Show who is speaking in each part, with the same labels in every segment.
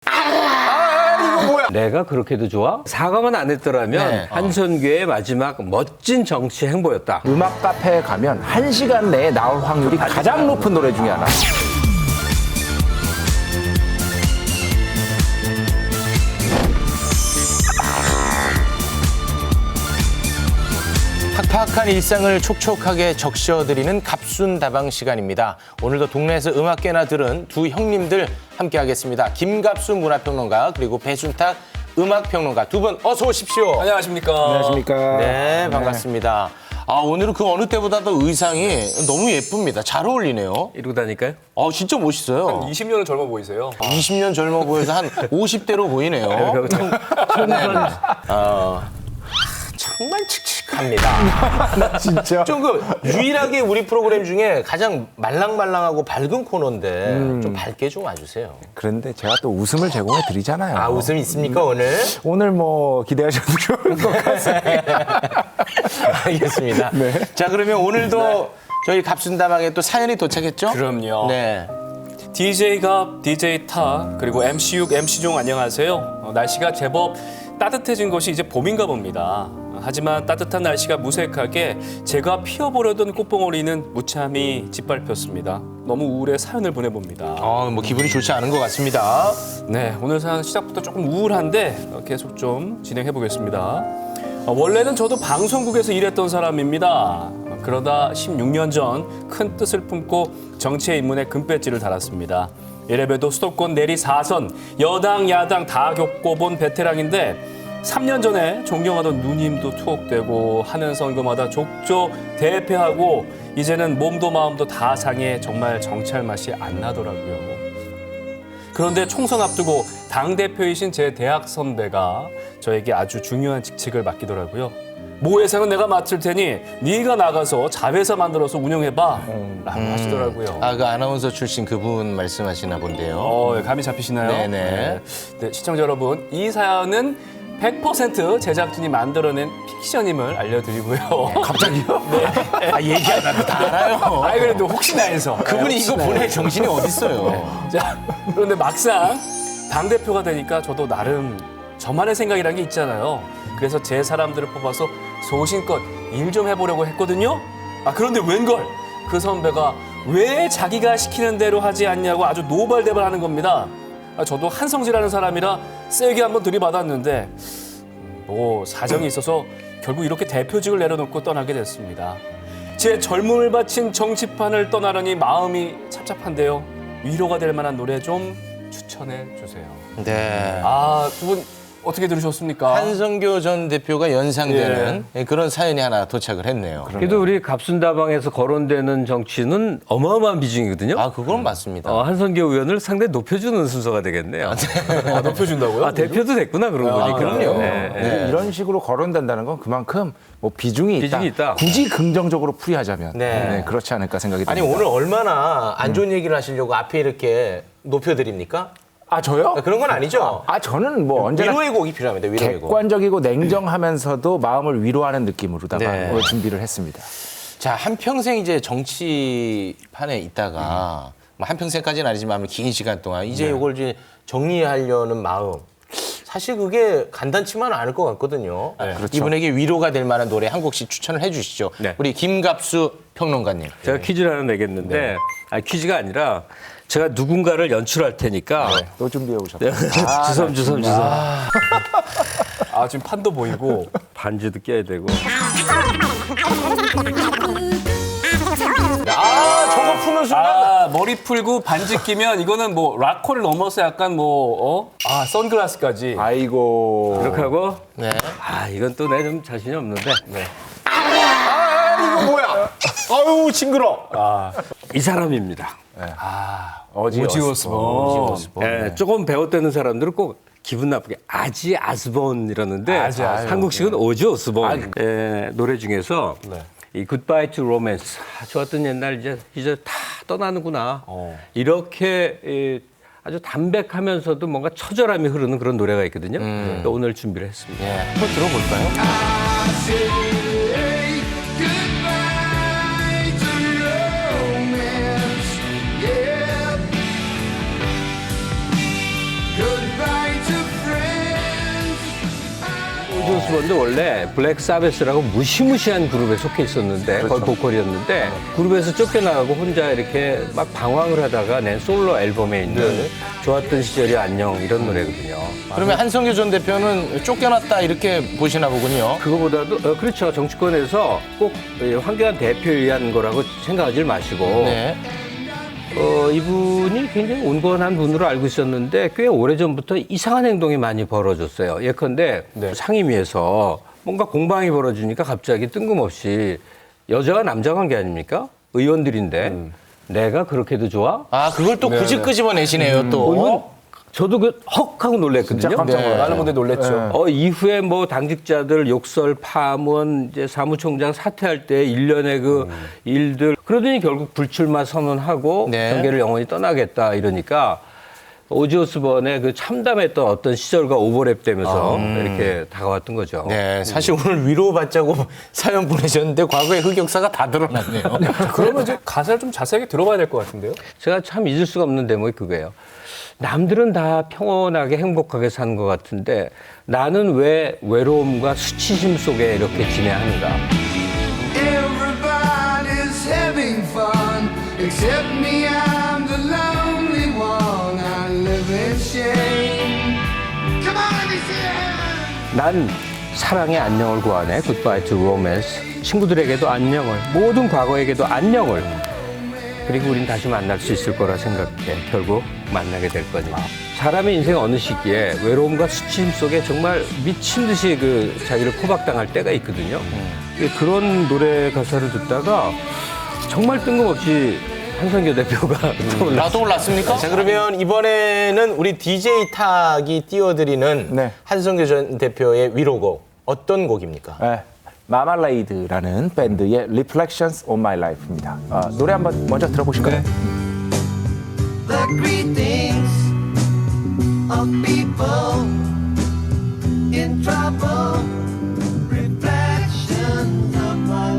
Speaker 1: 이거 뭐야?
Speaker 2: 내가 그렇게도 좋아? 사과만 안 했더라면
Speaker 1: 네.
Speaker 2: 한선교의 마지막 멋진 정치 행보였다.
Speaker 3: 음악 카페에 가면 1시간 내에 나올 확률이 가장 높은 노래 중에 하나.
Speaker 1: 팍팍한 일상을 촉촉하게 적셔드리는 갑순다방 시간입니다. 오늘도 동네에서 음악계나 들은 두 형님들 함께하겠습니다. 김갑수 문화평론가 그리고 배순탁 음악평론가 두 분 어서 오십시오.
Speaker 4: 안녕하십니까.
Speaker 3: 안녕하십니까.
Speaker 1: 네, 반갑습니다. 오늘은 그 어느 때보다도 의상이 너무 예쁩니다. 잘 어울리네요.
Speaker 2: 이러고 다닐까요?
Speaker 1: 진짜 멋있어요.
Speaker 4: 20년은 젊어 보이세요.
Speaker 1: 20년 젊어 보여서 한 50대로 보이네요. 정말 칙칙합니다.
Speaker 3: 진짜.
Speaker 1: 좀 유일하게 우리 프로그램 중에 가장 말랑말랑하고 밝은 코너인데 좀 밝게 좀 와주세요.
Speaker 3: 그런데 제가 또 웃음을 제공해 드리잖아요.
Speaker 1: 웃음 있습니까 오늘?
Speaker 3: 오늘 뭐 기대하셔도 좋을 것 같습니다.
Speaker 1: 알겠습니다. 자 그러면 오늘도 저희 갑순다방에 또 사연이 도착했죠?
Speaker 4: 그럼요.
Speaker 1: 네.
Speaker 4: DJ 갑, DJ 타, 그리고 MC6, MC종 안녕하세요. 날씨가 제법 따뜻해진 것이 이제 봄인가 봅니다. 하지만 따뜻한 날씨가 무색하게 제가 피워보려던 꽃봉오리는 무참히 짓밟혔습니다. 너무 우울해 사연을 보내봅니다.
Speaker 1: 뭐 기분이 좋지 않은 것 같습니다.
Speaker 4: 네, 오늘 사연 시작부터 조금 우울한데 계속 좀 진행해 보겠습니다. 원래는 저도 방송국에서 일했던 사람입니다. 그러다 16년 전 큰 뜻을 품고 정치에 입문해 금배지를 달았습니다. 이래봬도 수도권 내리 4선, 여당, 야당 다 겪어본 베테랑인데 3년 전에 존경하던 누님도 투옥되고 하는 선거마다 족조 대패하고 이제는 몸도 마음도 다 상해 정말 정치할 맛이 안 나더라고요. 그런데 총선 앞두고 당대표이신 제 대학 선배가 저에게 아주 중요한 직책을 맡기더라고요. 모 회사는 내가 맡을 테니 네가 나가서 자회사 만들어서 운영해봐 라고 하시더라고요.
Speaker 1: 그 아나운서 출신 그분 말씀하시나 본데요.
Speaker 4: 감이 잡히시나요?
Speaker 1: 네네.
Speaker 4: 네, 시청자 여러분, 이 사연은 100% 제작진이 만들어낸 픽션임을 알려드리고요.
Speaker 1: 갑자기요? 네. 얘기 안 하고 다 알아요.
Speaker 4: 아이 그래도 혹시나 해서.
Speaker 1: 그분이 이거 보낼 정신이 어딨어요.
Speaker 4: 자, 그런데 막상 당대표가 되니까 저도 나름 저만의 생각이란 게 있잖아요. 그래서 제 사람들을 뽑아서 소신껏 일 좀 해보려고 했거든요. 그런데 웬걸 그 선배가 왜 자기가 시키는 대로 하지 않냐고 아주 노발대발하는 겁니다. 저도 한성질하는 사람이라 세게 한번 들이받았는데 뭐 사정이 있어서 결국 이렇게 대표직을 내려놓고 떠나게 됐습니다. 제 젊음을 바친 정치판을 떠나려니 마음이 착잡한데요. 위로가 될 만한 노래 좀 추천해 주세요.
Speaker 1: 네.
Speaker 4: 두 분 어떻게 들으셨습니까?
Speaker 1: 한성교 전 대표가 연상되는 그런 사연이 하나 도착을 했네요.
Speaker 2: 그래도 우리 갑순다방에서 거론되는 정치는 어마어마한 비중이거든요.
Speaker 1: 그건 맞습니다.
Speaker 2: 한선교 의원을 상당히 높여주는 순서가 되겠네요.
Speaker 4: 높여준다고요?
Speaker 2: 대표도 됐구나 그러고 보니까.
Speaker 1: 그럼요.
Speaker 2: 네.
Speaker 3: 이런 식으로 거론된다는 건 그만큼 뭐 비중이
Speaker 2: 비중이 있다.
Speaker 3: 굳이 긍정적으로 풀이하자면
Speaker 1: 네.
Speaker 3: 그렇지 않을까 생각이
Speaker 1: 아니
Speaker 3: 듭니다.
Speaker 1: 오늘 얼마나 안 좋은 얘기를 하시려고 앞에 이렇게 높여드립니까?
Speaker 3: 저요?
Speaker 1: 그런 건 아니죠?
Speaker 3: 저는 뭐 언제나
Speaker 1: 위로의 곡이 필요합니다. 위로의 곡.
Speaker 3: 객관적이고 냉정하면서도 마음을 위로하는 느낌으로다가
Speaker 1: 네.
Speaker 3: 오늘 준비를 했습니다.
Speaker 1: 자, 한평생 이제 정치판에 있다가 뭐 한평생까지는 아니지만 긴 시간 동안 이제 이걸 이제 정리하려는 마음. 사실 그게 간단치만은 않을 것 같거든요.
Speaker 3: 그렇죠.
Speaker 1: 이분에게 위로가 될 만한 노래 한 곡씩 추천을 해 주시죠.
Speaker 2: 네.
Speaker 1: 우리 김갑수 평론가님.
Speaker 2: 제가 퀴즈를 하나 내겠는데 퀴즈가 아니라 제가 누군가를 연출할 테니까
Speaker 3: 또 준비해 오셨어요.
Speaker 2: 주섬.
Speaker 4: 지금 판도 보이고
Speaker 2: 반지도 껴야 되고.
Speaker 1: 저거 푸는 순간.
Speaker 4: 머리 풀고 반지 끼면 이거는 뭐 락커를 넘어서 약간 선글라스까지.
Speaker 3: 아이고.
Speaker 2: 이렇게 하고
Speaker 1: 네.
Speaker 2: 이건 또 내 좀 자신이 없는데
Speaker 1: 이거 뭐야? 아유, 징그러.
Speaker 2: 이 사람입니다.
Speaker 4: 오지오스본.
Speaker 2: 네, 조금 배웠다는 사람들은 꼭 기분 나쁘게 아지 아스본 이러는데 한국식은 오지 오스본 노래 중에서 이 굿바이 투 로맨스 좋았던 옛날 이제 다 떠나는구나 이렇게 아주 담백하면서도 뭔가 처절함이 흐르는 그런 노래가 있거든요. 오늘 준비를 했습니다.
Speaker 1: 한번 들어볼까요?
Speaker 5: Goodbye
Speaker 2: 오지 오스본도 원래 블랙 사베스라고 무시무시한 그룹에 속해 있었는데 거의 보컬이었는데 그룹에서 쫓겨나가고 혼자 이렇게 막 방황을 하다가 낸 솔로 앨범에 있는 좋았던 시절이 안녕 이런 노래거든요.
Speaker 1: 그러면 한성규 전 대표는 쫓겨났다 이렇게 보시나 보군요.
Speaker 2: 그거보다도 그렇죠. 정치권에서 꼭 황교안 대표에 의한 거라고 생각하지 마시고
Speaker 1: 네.
Speaker 2: 이분이 굉장히 온건한 분으로 알고 있었는데 꽤 오래전부터 이상한 행동이 많이 벌어졌어요. 예컨대 상임위에서 뭔가 공방이 벌어지니까 갑자기 뜬금없이 여자와 남자 관계 아닙니까? 의원들인데 내가 그렇게도 좋아?
Speaker 1: 아, 그걸 또 굳이 끄집어내시네요, 또.
Speaker 2: 이건 저도 헉 하고 놀랬거든요.
Speaker 3: 진짜 깜짝 놀랐어요.
Speaker 4: 많은 분들이 놀랬죠.
Speaker 2: 이후에 뭐 당직자들 욕설, 파문, 이제 사무총장 사퇴할 때 일련의 그 일들 그러더니 결국 불출마 선언하고
Speaker 1: 네.
Speaker 2: 경계를 영원히 떠나겠다 이러니까 오지 오스본의 그 참담했던 어떤 시절과 오버랩되면서 이렇게 다가왔던 거죠.
Speaker 1: 네, 사실 오늘 위로받자고 사연 보내셨는데 과거의 흑역사가 다 드러났네요.
Speaker 4: 그러면 이제 가사를 좀 자세하게 들어봐야 될 것 같은데요.
Speaker 2: 제가 참 잊을 수가 없는 대목이 그거예요. 남들은 다 평온하게 행복하게 사는 것 같은데 나는 왜 외로움과 수치심 속에 이렇게 지내야 하는가.
Speaker 5: Everybody's having fun except me. I'm the lonely one. I live in shame. Come on, let me see your hand.
Speaker 2: 난 사랑의 안녕을 구하네. Goodbye to romance. 친구들에게도 안녕을, 모든 과거에게도 안녕을. 그리고 우린 다시 만날 수 있을 거라 생각해. 결국 만나게 될 거니. 사람의 인생 어느 시기에 외로움과 수치심 속에 정말 미친 듯이 그 자기를 포박당할 때가 있거든요. 그런 노래 가사를 듣다가 정말 뜬금없이 한성규 대표가
Speaker 1: 떠올랐습니까? 자, 그러면 이번에는 우리 DJ 탁이 띄워드리는
Speaker 3: 네.
Speaker 1: 한성규 전 대표의 위로곡 어떤 곡입니까?
Speaker 3: 네. 마말레이드라는 밴드의 Reflections on My Life입니다. 노래 한번 먼저 들어보실까요?
Speaker 5: The greetings of people in trouble. Reflections of my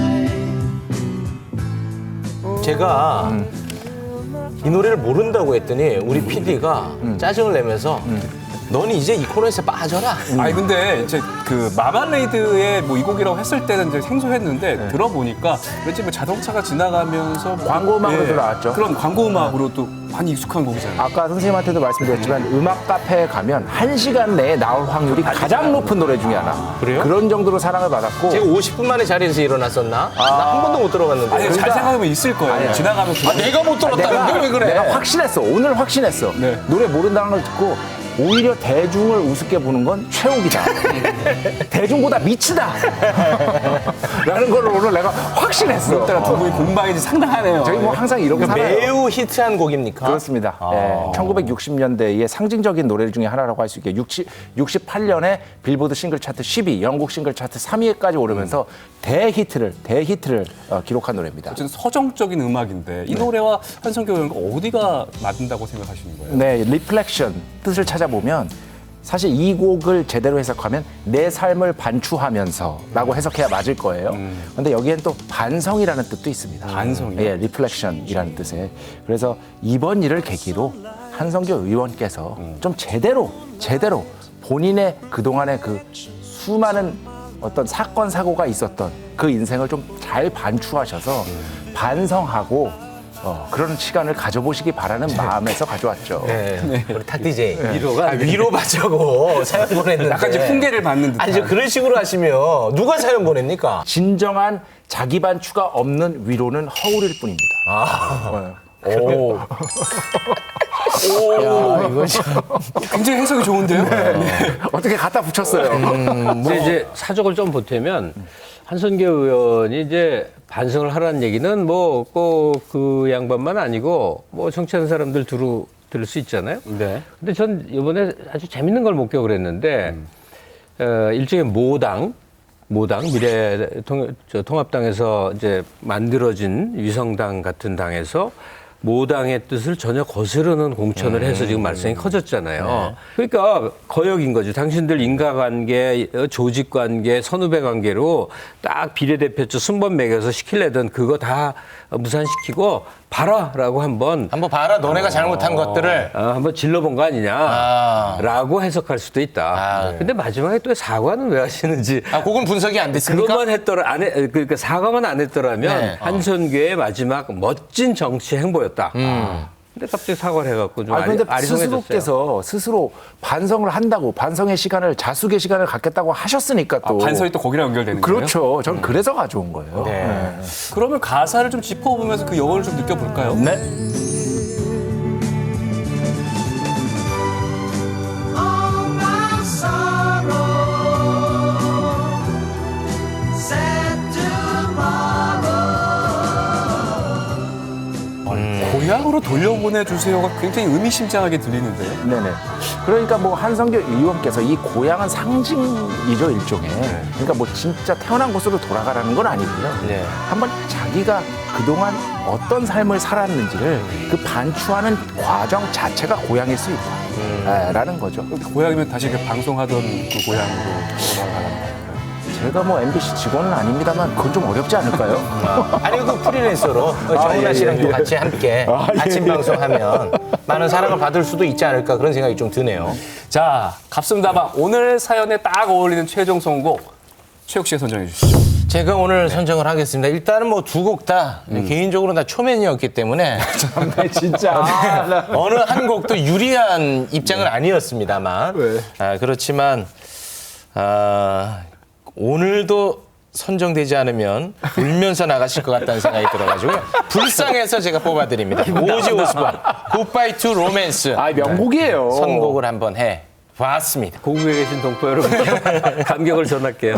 Speaker 5: life.
Speaker 1: 제가 이 노래를 모른다고 했더니 우리 PD가 짜증을 내면서 넌 이제 이 코너에서 빠져라.
Speaker 4: 아니 근데 이제 그 마말레이드의 뭐 이 곡이라고 했을 때는 이제 생소했는데 들어보니까 왠지 뭐 자동차가 지나가면서
Speaker 3: 광고 음악으로 나왔죠.
Speaker 4: 그런 광고 음악으로 또 많이 익숙한 곡이잖아요.
Speaker 3: 아까 선생님한테도 말씀드렸지만 음악 카페에 가면 1시간 내에 나올 확률이 가장 높은 노래 중에 하나.
Speaker 1: 그래요?
Speaker 3: 그런 정도로 사랑을 받았고
Speaker 1: 제가 50분 만에 자리에서 일어났었나? 나 한 번도 못 들어갔는데.
Speaker 4: 아니 잘 생각하면 있을 거예요. 지나가면서
Speaker 1: 내가 못 들었다는데 왜 그래?
Speaker 3: 내가 확신했어. 오늘 확신했어.
Speaker 4: 네.
Speaker 3: 노래 모른다는 걸 듣고 오히려 대중을 우습게 보는 건 최욱이다. 대중보다 미치다. 라는 걸 오늘 내가 확신했어.
Speaker 4: 따라 두 분이 공방이 상당하네요.
Speaker 3: 저희 뭐 항상 이렇게 살아요.
Speaker 1: 매우 히트한 곡입니까?
Speaker 3: 그렇습니다. 1960년대의 상징적인 노래 중에 하나라고 할 수 있게 68년에 빌보드 싱글 차트 10위, 영국 싱글 차트 3위에까지 오르면서 대히트를 기록한 노래입니다.
Speaker 4: 어쨌든 서정적인 음악인데 이 노래와 한성규 의원과 어디가 맞는다고 생각하시는 거예요?
Speaker 3: 네, 리플렉션 뜻을 찾아보면 사실 이 곡을 제대로 해석하면 내 삶을 반추하면서라고 해석해야 맞을 거예요. 그런데 여기엔 또 반성이라는 뜻도 있습니다.
Speaker 4: 반성이요?
Speaker 3: 예, 리플렉션이라는 뜻에. 그래서 이번 일을 계기로 한성규 의원께서 좀 제대로 본인의 그동안의 그 수많은 어떤 사건 사고가 있었던 그 인생을 좀 잘 반추하셔서 반성하고 그런 시간을 가져보시기 바라는 마음에서 가져왔죠.
Speaker 1: 네. 우리 탁 DJ.
Speaker 2: 위로가
Speaker 1: 위로 받자고 사연 보냈는데.
Speaker 4: 약간 이제 풍계를 받는 듯한.
Speaker 1: 아니, 저 그런 식으로 하시면 누가 사연 보냅니까?
Speaker 3: 진정한 자기 반추가 없는 위로는 허울일 뿐입니다.
Speaker 1: 오. 야, 이거 참.
Speaker 4: 굉장히 해석이 좋은데요?
Speaker 3: 어떻게 갖다 붙였어요.
Speaker 2: 근데 이제 사족을 좀 보태면 한성규 의원이 이제 반성을 하라는 얘기는 뭐 꼭 그 양반만 아니고 뭐 정치하는 사람들 들을 수 있잖아요.
Speaker 4: 네.
Speaker 2: 근데 전 이번에 아주 재밌는 걸 목격을 했는데 일종의 모당 통합당에서 이제 만들어진 위성당 같은 당에서 모당의 뜻을 전혀 거스르는 공천을 해서 지금 말썽이 커졌잖아요. 그러니까 거역인 거죠. 당신들 인과관계, 조직관계, 선후배 관계로 딱 비례대표처 순번 매겨서 시키려던 그거 다 무산시키고 봐라라고 한번
Speaker 1: 봐라. 너네가 잘못한 것들을.
Speaker 2: 한번 질러본 거 아니냐라고 해석할 수도 있다. 근데 마지막에 또 사과는 왜 하시는지.
Speaker 1: 그건 분석이 안 됐습니까?
Speaker 2: 그것만 했더라 그러니까 사과만 안 했더라면
Speaker 1: 네.
Speaker 2: 한선교의 마지막 멋진 정치 행보였다. 근데 갑자기 사과를 해갖고 좀
Speaker 3: 근데
Speaker 2: 아리송해졌어요.
Speaker 3: 스스로께서 스스로 반성을 한다고 반성의 시간을 자숙의 시간을 갖겠다고 하셨으니까 또
Speaker 4: 반성이 또 거기랑 연결되는 거예요?
Speaker 3: 그렇죠. 전 그래서 가져온 거예요.
Speaker 1: 네.
Speaker 4: 그러면 가사를 좀 짚어보면서 그 여운을 좀 느껴볼까요?
Speaker 3: 네.
Speaker 5: All my sorrow, sad tomorrow.
Speaker 4: 고향으로 돌려보내주세요가 굉장히 의미심장하게 들리는데요.
Speaker 3: 네네. 그러니까 뭐 한성교 의원께서 이 고향은 상징이죠, 일종의. 그러니까 뭐 진짜 태어난 곳으로 돌아가라는 건 아니고요.
Speaker 1: 네.
Speaker 3: 한번 자기가 그동안 어떤 삶을 살았는지를 그 반추하는 과정 자체가 고향일 수 있다. 라는 거죠.
Speaker 4: 고향이면 다시 그 방송하던 그 고향으로 돌아가는 거예요.
Speaker 3: 제가 뭐 MBC 직원은 아닙니다만 그건 좀 어렵지 않을까요?
Speaker 1: 아니, 그 프리랜서로 정은아 씨랑 또 같이 함께 아침 방송하면 많은 사랑을 받을 수도 있지 않을까 그런 생각이 좀 드네요.
Speaker 4: 자, 갑승다방 오늘 사연에 딱 어울리는 최종 선곡 최욱 씨가 선정해 주시죠.
Speaker 1: 제가 오늘 선정을 하겠습니다. 일단은 뭐 두 곡 다 개인적으로 다 초면이었기 때문에
Speaker 3: 진짜.
Speaker 1: 어느 한 곡도 유리한 입장은 아니었습니다만 그렇지만 오늘도 선정되지 않으면 울면서 나가실 것 같다는 생각이 들어가지고요. 불쌍해서 제가 뽑아드립니다. 오지 오스본, 굿바이 투 로맨스
Speaker 3: 명곡이에요.
Speaker 1: 선곡을 한번 해봤습니다.
Speaker 2: 고국에 계신 동포 여러분 감격을 전할게요.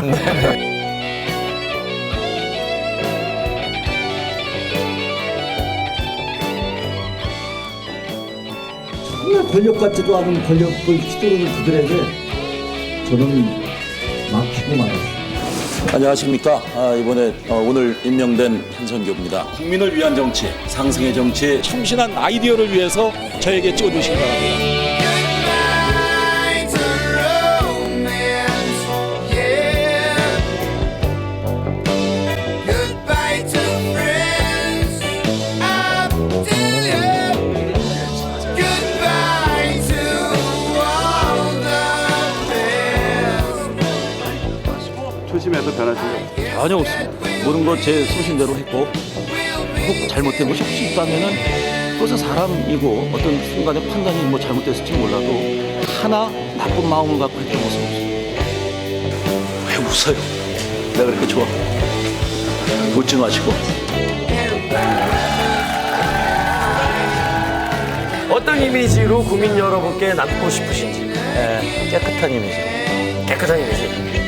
Speaker 6: 정말 권력 같지도 않은 권력을 휘두르는 그들에게 저는 막히고 말았습니다.
Speaker 7: 안녕하십니까. 이번에 오늘 임명된 한선교입니다. 국민을 위한 정치, 상승의 정치에 충실한 아이디어를 위해서 저에게 찍어주시기 바랍니다.
Speaker 5: Goodbye to romance, yeah. Goodbye to friends, up to you. Goodbye to all the best.
Speaker 7: 초심에서 변하신 거 전혀 없습니다. 모든 것 제 소신대로 했고 혹 잘못된 것이 혹시 있다면은 그것은 사람이고 어떤 순간에 판단이 뭐 잘못됐을지 몰라도 하나 나쁜 마음을 갖고 했던 것은 없습니다. 왜 웃어요? 내가 그렇게 좋아? 웃지 마시고.
Speaker 8: 어떤 이미지로 국민 여러분께 남고 싶으신지.
Speaker 7: 깨끗한 이미지.
Speaker 8: 깨끗한 이미지.